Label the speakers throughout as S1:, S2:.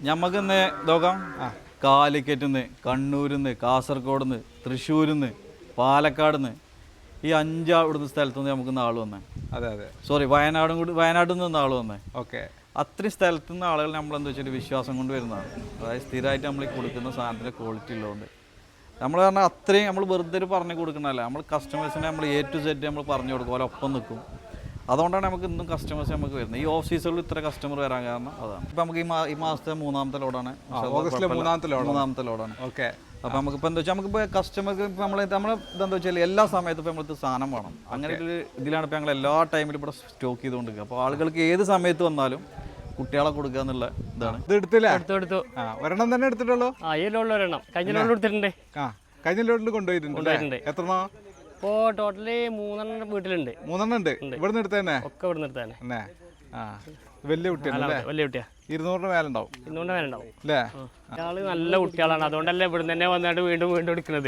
S1: ഞമ്മക്കിന്ന് നോക്കാം. കാലിക്കറ്റിൽ നിന്ന്, കണ്ണൂരിൽ നിന്ന്, കാസർഗോഡ് നിന്ന്, തൃശ്ശൂരിൽ നിന്ന്, പാലക്കാട് നിന്ന്, ഈ 5 ഇവിടുന്ന് സ്ഥലത്തു നിന്ന് നമുക്ക് ആൾ വന്നേ.
S2: അതെ അതെ,
S1: സോറി, വയനാട്ടിൽ നിന്ന് ആൾ വന്നേ.
S2: ഓക്കെ.
S1: അത്രയും സ്ഥലത്തു നിന്ന് ആളുകൾ നമ്മളെന്താ വെച്ചാൽ വിശ്വാസം കൊണ്ട് വരുന്നതാണ്. അതായത് സ്ഥിരമായിട്ട് നമ്മൾ ഈ കൊടുക്കുന്ന സാധനത്തിൻ്റെ ക്വാളിറ്റി ഉള്ളതുകൊണ്ട് നമ്മൾ പറഞ്ഞാൽ അത്രയും നമ്മൾ വെറുതെ പറഞ്ഞു കൊടുക്കണമല്ല, നമ്മൾ കസ്റ്റമേഴ്സിനെ നമ്മൾ A to Z നമ്മൾ പറഞ്ഞു കൊടുക്കും, പോലെ ഒപ്പം നിൽക്കും. അതുകൊണ്ടാണ് നമുക്ക് ഇന്നും കസ്റ്റമേഴ്സ് നമുക്ക് വരുന്നത്. ഈ ഓഫ് സീസണിൽ ഇത്ര കസ്റ്റമർ വരാൻ കാരണം അതാണ്. ഇപ്പം നമുക്ക് ഈ മാസത്തെ 3ാമത്തെ ലോഡാണ്,
S2: ഓഗസ്റ്റിലെ 3ാമത്തെ ലോഡാണ്. ഓക്കെ.
S1: അപ്പോൾ നമുക്കിപ്പോൾ എന്താ വെച്ചാൽ നമുക്കിപ്പോൾ കസ്റ്റമർക്ക് ഇപ്പോൾ നമ്മൾ ഇതെന്താ വെച്ചാൽ എല്ലാ സമയത്തും ഇപ്പോൾ നമ്മൾക്ക് സാധനം വേണം. അങ്ങനെ ഒരു ഇതിലാണ് ഇപ്പോൾ ഞങ്ങൾ എല്ലാ ടൈമിലും ഇവിടെ സ്റ്റോക്ക് ചെയ്തുകൊണ്ടിരിക്കുക. അപ്പോൾ ആളുകൾക്ക് ഏത് സമയത്ത് വന്നാലും കുട്ടികളെ കൊടുക്കുക എന്നുള്ള ഇതാണ്.
S2: ഇത് എടുത്തില്ല? എടുത്തു. ഒരെണ്ണം തന്നെ എടുത്തിട്ടുള്ളൂ?
S3: ഈ ലോഡിൽ ഒരെണ്ണം, കഴിഞ്ഞ ലോഡിൽ എടുത്തിട്ടുണ്ട്.
S2: കഴിഞ്ഞ ലോഡിൽ കൊണ്ടുപോയിട്ടുണ്ട്. എത്രണ്ണോ?
S3: ഇപ്പോൾ ടോട്ടല് 3 വീട്ടിലുണ്ട്.
S2: 3 ഉണ്ട്. ഇവിടുന്ന് എടുത്തന്നെ?
S3: ഒക്കെ ഇവിടുന്ന് എടുത്തന്നെ.
S2: വലിയ കുട്ടിയാണ്.
S3: വലിയ കുട്ടിയാ.
S2: 200 മേലുണ്ടാവും.
S3: 200 മേലുണ്ടാവും
S2: അല്ലേ?
S3: ആള് നല്ല കുട്ടികളാണ്, അതുകൊണ്ടല്ലേ ഇവിടെ തന്നെ വന്നിട്ട് വീണ്ടും എടുക്കുന്നത്.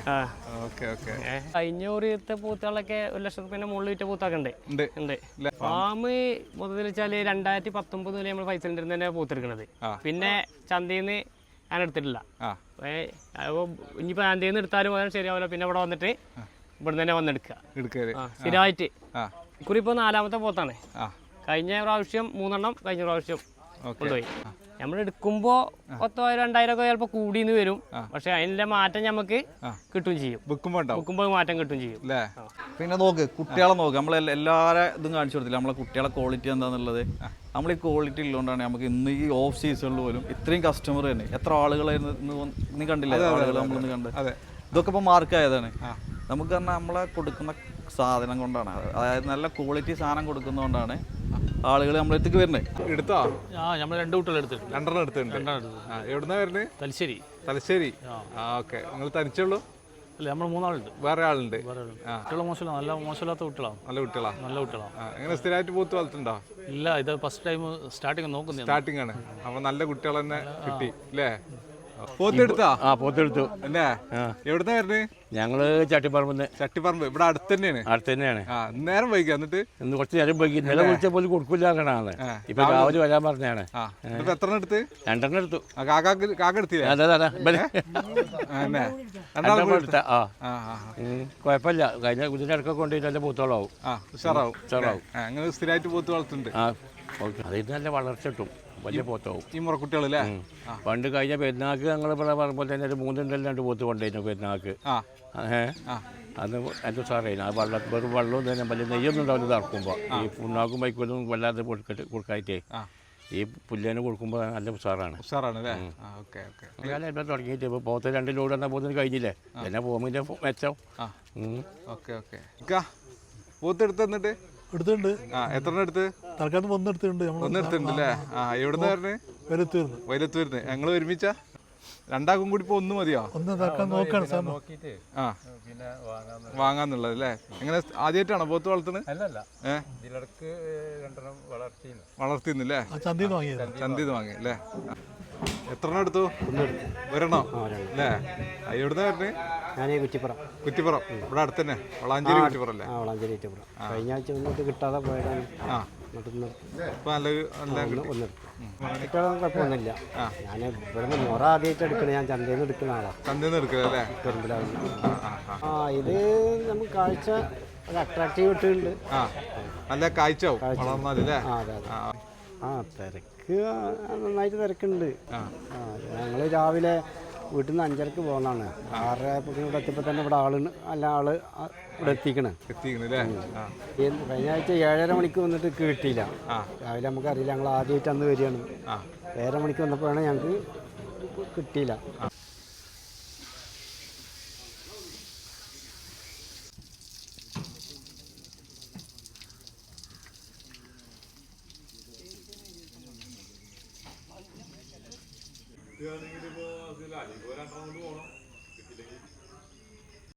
S3: കഴിഞ്ഞ ഒരിത്തെ പൂത്തുകളൊക്കെ 1 ലക്ഷം റുപ്യന്റെ മുകളിൽ വിറ്റ പൂത്തൊക്കെ ഉണ്ട്. ഫാം മൊത്തത്തിൽ വെച്ചാല് 2019 മുതൽ നമ്മൾ പൈസ തന്നെ പൂത്തെടുക്കണത്. പിന്നെ ചന്തയിൽ നിന്ന് ഞാൻ എടുത്തിട്ടില്ല. ഇനിയിപ്പോ ചന്തയിൽ നിന്ന് എടുത്താലും ശരിയാവില്ല. പിന്നെ ഇവിടെ വന്നിട്ട് ഇവിടെ തന്നെ വന്നെടുക്കുക സ്ഥിരമായിട്ട്. ഇക്കുറി ഇപ്പൊ 4ാമത്തെ പോത്താണ്. കഴിഞ്ഞ പ്രാവശ്യം 3 എണ്ണം കഴിഞ്ഞ പ്രാവശ്യം കൊണ്ടുപോയി. നമ്മൾ എടുക്കുമ്പോ 10,000 2,000 ഒക്കെ ചിലപ്പോ കൂടിന്ന് വരും. പക്ഷെ അതിന്റെ മാറ്റം നമുക്ക് കിട്ടും ചെയ്യും. വിൽക്കുമ്പോൾ മാറ്റം കിട്ടും ചെയ്യും.
S1: പിന്നെ നോക്ക്, കുട്ടികളെ നോക്ക്, നമ്മൾ എല്ലാവരും ഇതും കാണിച്ചു കൊടുത്തില്ല. നമ്മളെ കുട്ടികളെ ക്വാളിറ്റി എന്താണെന്നുള്ളത്. നമ്മൾ ഈ ക്വാളിറ്റി ഉള്ളതുകൊണ്ടാണ് നമുക്ക് ഇന്ന് ഈ ഓഫ് സീസണിൽ പോലും ഇത്രയും കസ്റ്റമർ തന്നെ. എത്ര ആളുകളായിരുന്നു നീ കണ്ടില്ലേ? ആളുകൾ നമ്മളിന്ന് കണ്ട്. ഇതൊക്കെ ഇപ്പോൾ മാർക്കായതാണ്. നമുക്ക് പറഞ്ഞാൽ നമ്മളെ കൊടുക്കുന്ന സാധനം കൊണ്ടാണ്, അതായത് നല്ല ക്വാളിറ്റി സാധനം കൊടുക്കുന്നതുകൊണ്ടാണ് ആളുകൾ നമ്മളെടുത്തേക്ക് വരുന്നത്.
S2: എടുത്തോ?
S3: നമ്മൾ 2 കുട്ടികൾ എടുത്തിട്ടുണ്ട്.
S2: 2 എടുത്തിട്ടുണ്ട്. എവിടുന്നാ വരുന്നത്?
S3: തലശ്ശേരി.
S2: ഓക്കെ. നിങ്ങൾ തനിച്ചുള്ളൂ?
S3: അല്ല, നമ്മൾ 3 ആളുണ്ട്.
S2: വേറെ ആളുണ്ട്?
S3: കുട്ടികളെ മോശമില്ല, നല്ല മോശമില്ലാത്ത കുട്ടികളാണ്.
S2: നല്ല കുട്ടികളാണ്.
S3: എങ്ങനെ
S2: സ്ഥിരമായിട്ട് പൂത്ത് വളർത്തുണ്ടോ? ഇല്ല,
S3: ഇത് ഫസ്റ്റ് ടൈം
S2: സ്റ്റാർട്ടിങ് ആണ്. അപ്പൊ നല്ല കുട്ടികൾ തന്നെ കിട്ടി അല്ലേ? പോത്തെടുത്താ?
S4: പോത്തെടുത്തു.
S2: അല്ലേ? എവിടുന്നാ വരുന്നത്?
S4: ഞങ്ങള്
S2: ചട്ടിപ്പറമ്പ്. ഇവിടെ അടുത്ത് തന്നെയാണ്. നേരം വൈകി എന്നിട്ട്
S4: ഇന്ന് കുറച്ച് നേരം വൈകി. നില വിളിച്ച പോലും കൊടുക്കില്ലാന്നാണ്. ഇപ്പൊ രാവിലെ വരാൻ പറഞ്ഞാണ്.
S2: എത്ര എടുത്ത്?
S4: 2 എടുത്തു.
S2: കാക്ക എടുത്തില്ലേ?
S4: കുഴപ്പമില്ല. കഴിഞ്ഞ ഇതിനിടക്കൊക്കെ കൊണ്ടുപോയി നല്ല പൂത്തോളാവും.
S2: ഉഷാറാവും. അങ്ങനെ സ്ഥിരമായിട്ട് പൂത്ത് വളർത്തുന്നുണ്ട്.
S4: അതിന് നല്ല വളർച്ച കിട്ടും. വലിയ പോത്താവും ഈ
S2: മുറക്കുട്ടികളല്ലേ.
S4: പണ്ട് കഴിഞ്ഞ പെരുന്നാൾക്ക് ഞങ്ങൾ ഇവിടെ പറയുമ്പോൾ തന്നെ ഒരു 2 പോത്ത് കൊണ്ടുപോയിരുന്നു പെരുന്നാൾക്ക്. അന്ന് എൻ്റെ സാറേന് ആ വെറും വെള്ളവും തന്നെ വലിയ നെയ്യൊന്നും ഉണ്ടാവില്ല ഇറക്കുമ്പോൾ. ഈ പുണ്ണാക്കും ബൈക്കൊന്നും വല്ലാതെ കൊടുക്കായിട്ടേ ഈ പുല്ലേന് കൊടുക്കുമ്പോൾ നല്ല ഉഷാറാണ്. എല്ലാം തുടങ്ങിയിട്ട് ഇപ്പോൾ പോത്ത് 2 ലോഡ് എന്നാൽ പോത്തിന് കഴിഞ്ഞില്ലേ. പിന്നെ പോകുമ്പോൾ മെച്ചം.
S2: പോത്തെടുത്ത് എന്നിട്ട്
S5: എടുത്തിട്ടുണ്ട്.
S2: എത്ര എടുത്ത്?
S5: തൽക്കാലം 1 എടുത്തിട്ടുണ്ട്.
S2: ഒന്നെടുത്തിട്ടുണ്ടല്ലേ? എവിടുന്ന് വയലത്തൂരിന്ന്. ഞങ്ങൾ ഒരുമിച്ച 2 കൂടി ഇപ്പൊ 1 മതിയോ? വാങ്ങാന്നുള്ളത് അല്ലേ? എങ്ങനെ ആദ്യമായിട്ടാണോ പോത്ത് വളർത്തുന്നത്? വളർത്തിന്നല്ലേ? ചന്തീന്ന് വാങ്ങി അല്ലേ? എത്ര എടുത്തു? 1 അല്ലേ? എവിടുന്ന വരുന്നത്? കുറ്റിപ്പുറം. ഇവിടെ അടുത്ത് തന്നെ. വളാഞ്ചേരി കുറ്റിപ്പുറം അല്ലേ?
S6: കഴിഞ്ഞ ആഴ്ച ഒന്നിട്ട് കിട്ടാതെ പോയതാണ്. കുഴപ്പമൊന്നുമില്ല. ഞാൻ ഇവിടുന്ന് മുറ ആദ്യമായിട്ട് എടുക്കണേ. ഞാൻ ചന്തയിൽ നിന്ന് എടുക്കുന്ന ആളാണ്. ഇത് നമുക്ക് കാഴ്ച ഒരു അട്രാക്റ്റീവ് ഇട്ടുണ്ട്.
S2: നല്ല കാഴ്ച.
S6: തിരക്ക് നന്നായിട്ട് തിരക്കുണ്ട്. ഞങ്ങൾ രാവിലെ വീട്ടിൽ നിന്ന് 5:30 പോകുന്നതാണ്. 6:30 ഇവിടെ എത്തിയപ്പോൾ തന്നെ ഇവിടെ ആള് ഇവിടെ എത്തിക്കണേ. കഴിഞ്ഞ ആഴ്ച 7:30 മണിക്ക് വന്നിട്ട് കിട്ടിയില്ല. രാവിലെ നമുക്കറിയില്ല, ഞങ്ങൾ ആദ്യമായിട്ട് അന്ന് വരികയാണ്. 7:30 മണിക്ക് വന്നപ്പോഴാണ് ഞങ്ങൾക്ക് കിട്ടിയില്ല.
S2: കിട്ടുകയാണെങ്കിൽ ഇപ്പോൾ അതിൽ അലിപോലെ 2 റൗണ്ട് പോകണം. കിട്ടില്ലെങ്കിൽ